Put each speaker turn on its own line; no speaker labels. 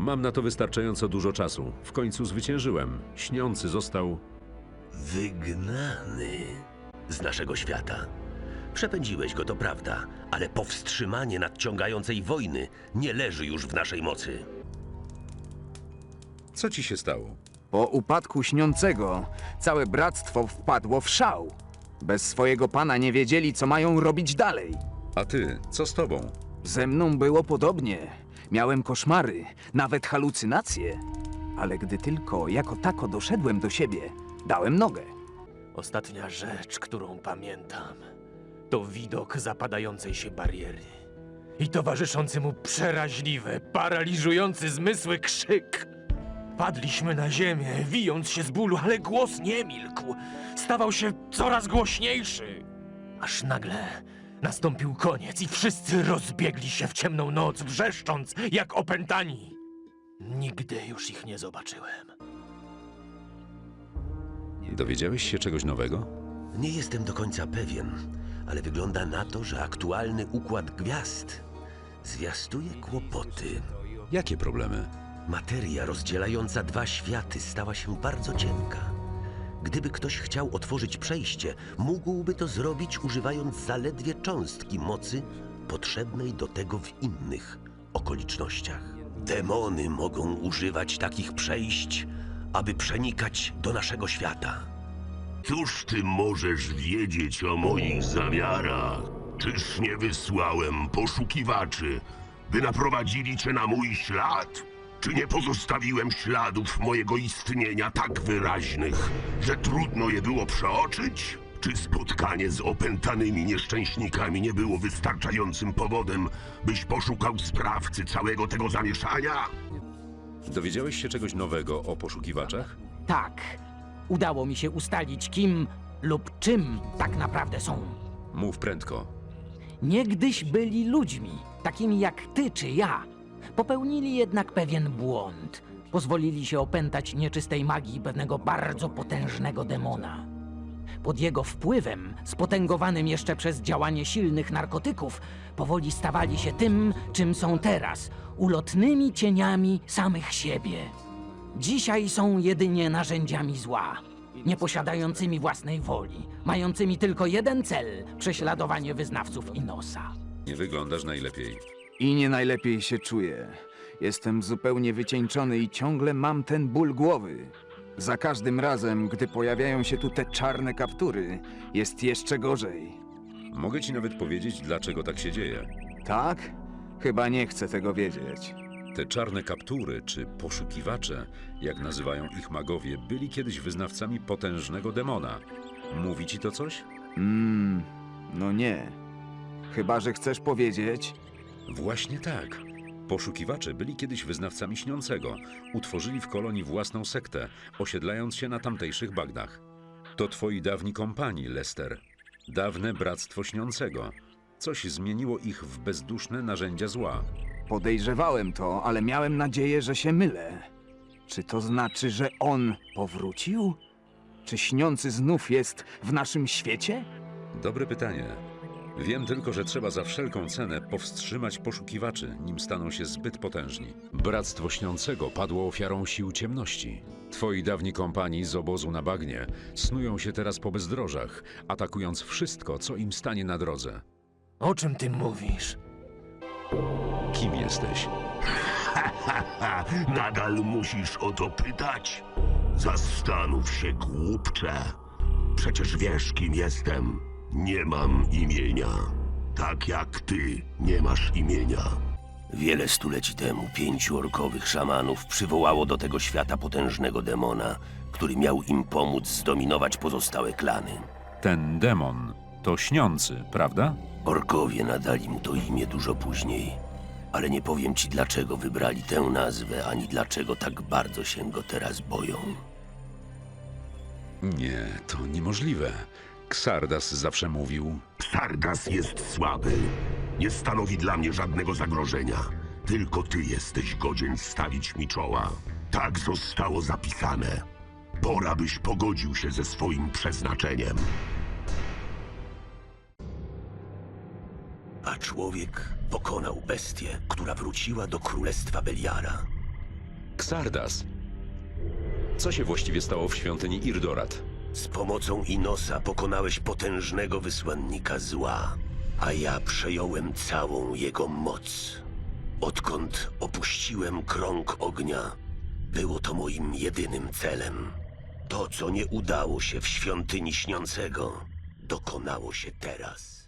Mam na to wystarczająco dużo czasu. W końcu zwyciężyłem. Śniący został...
Wygnany z naszego świata. Przepędziłeś go, to prawda, ale powstrzymanie nadciągającej wojny nie leży już w naszej mocy.
Co ci się stało?
Po upadku Śniącego całe bractwo wpadło w szał. Bez swojego pana nie wiedzieli, co mają robić dalej.
A ty, co z tobą?
Ze mną było podobnie. Miałem koszmary, nawet halucynacje. Ale gdy tylko jako tako doszedłem do siebie, dałem nogę.
Ostatnia rzecz, którą pamiętam, to widok zapadającej się bariery i towarzyszący mu przeraźliwy, paraliżujący zmysły krzyk. Padliśmy na ziemię, wijąc się z bólu, ale głos nie milkł. Stawał się coraz głośniejszy. Aż nagle nastąpił koniec i wszyscy rozbiegli się w ciemną noc, wrzeszcząc jak opętani. Nigdy już ich nie zobaczyłem.
Dowiedziałeś się czegoś nowego?
Nie jestem do końca pewien, ale wygląda na to, że aktualny układ gwiazd zwiastuje kłopoty.
Jakie problemy?
Materia rozdzielająca dwa światy stała się bardzo cienka. Gdyby ktoś chciał otworzyć przejście, mógłby to zrobić używając zaledwie cząstki mocy potrzebnej do tego w innych okolicznościach. Demony mogą używać takich przejść, aby przenikać do naszego świata.
Cóż ty możesz wiedzieć o moich zamiarach? Czyż nie wysłałem poszukiwaczy, by naprowadzili cię na mój ślad? Czy nie pozostawiłem śladów mojego istnienia tak wyraźnych, że trudno je było przeoczyć? Czy spotkanie z opętanymi nieszczęśnikami nie było wystarczającym powodem, byś poszukał sprawcy całego tego zamieszania?
Dowiedziałeś się czegoś nowego o poszukiwaczach?
Tak. Udało mi się ustalić, kim lub czym tak naprawdę są.
Mów prędko.
Niegdyś byli ludźmi, takimi jak ty czy ja. Popełnili jednak pewien błąd. Pozwolili się opętać nieczystej magii pewnego bardzo potężnego demona. Pod jego wpływem, spotęgowanym jeszcze przez działanie silnych narkotyków, powoli stawali się tym, czym są teraz, ulotnymi cieniami samych siebie. Dzisiaj są jedynie narzędziami zła, nieposiadającymi własnej woli, mającymi tylko jeden cel – prześladowanie wyznawców Inosa.
Nie wyglądasz najlepiej.
I nie najlepiej się czuję. Jestem zupełnie wycieńczony i ciągle mam ten ból głowy. Za każdym razem, gdy pojawiają się tu te czarne kaptury, jest jeszcze gorzej.
Mogę ci nawet powiedzieć, dlaczego tak się dzieje.
Tak? Chyba nie chcę tego wiedzieć.
Te czarne kaptury, czy poszukiwacze, jak nazywają ich magowie, byli kiedyś wyznawcami potężnego demona. Mówi ci to coś?
No nie. Chyba że chcesz powiedzieć...
Właśnie tak. Poszukiwacze byli kiedyś wyznawcami Śniącego. Utworzyli w kolonii własną sektę, osiedlając się na tamtejszych bagnach. To twoi dawni kompani, Lester. Dawne Bractwo Śniącego. Coś zmieniło ich w bezduszne narzędzia zła.
Podejrzewałem to, ale miałem nadzieję, że się mylę. Czy to znaczy, że on powrócił? Czy Śniący znów jest w naszym świecie?
Dobre pytanie. Wiem tylko, że trzeba za wszelką cenę powstrzymać poszukiwaczy, nim staną się zbyt potężni. Bractwo Śniącego padło ofiarą sił ciemności. Twoi dawni kompani z obozu na bagnie snują się teraz po bezdrożach, atakując wszystko, co im stanie na drodze.
O czym ty mówisz?
Kim jesteś?
Nadal musisz o to pytać? Zastanów się, głupcze. Przecież wiesz, kim jestem. Nie mam imienia. Tak jak ty nie masz imienia.
Wiele stuleci temu 5 orkowych szamanów przywołało do tego świata potężnego demona, który miał im pomóc zdominować pozostałe klany.
Ten demon to Śniący, prawda?
Orkowie nadali mu to imię dużo później, ale nie powiem ci, dlaczego wybrali tę nazwę, ani dlaczego tak bardzo się go teraz boją.
Nie, to niemożliwe. Xardas zawsze mówił...
Sardas jest słaby. Nie stanowi dla mnie żadnego zagrożenia. Tylko ty jesteś godzien stawić mi czoła. Tak zostało zapisane. Pora, byś pogodził się ze swoim przeznaczeniem.
A człowiek pokonał bestię, która wróciła do królestwa Beliara.
Xardas. Co się właściwie stało w świątyni Irdorat?
Z pomocą Inosa pokonałeś potężnego wysłannika zła, a ja przejąłem całą jego moc. Odkąd opuściłem krąg ognia, było to moim jedynym celem. To, co nie udało się w świątyni śniącego, dokonało się teraz.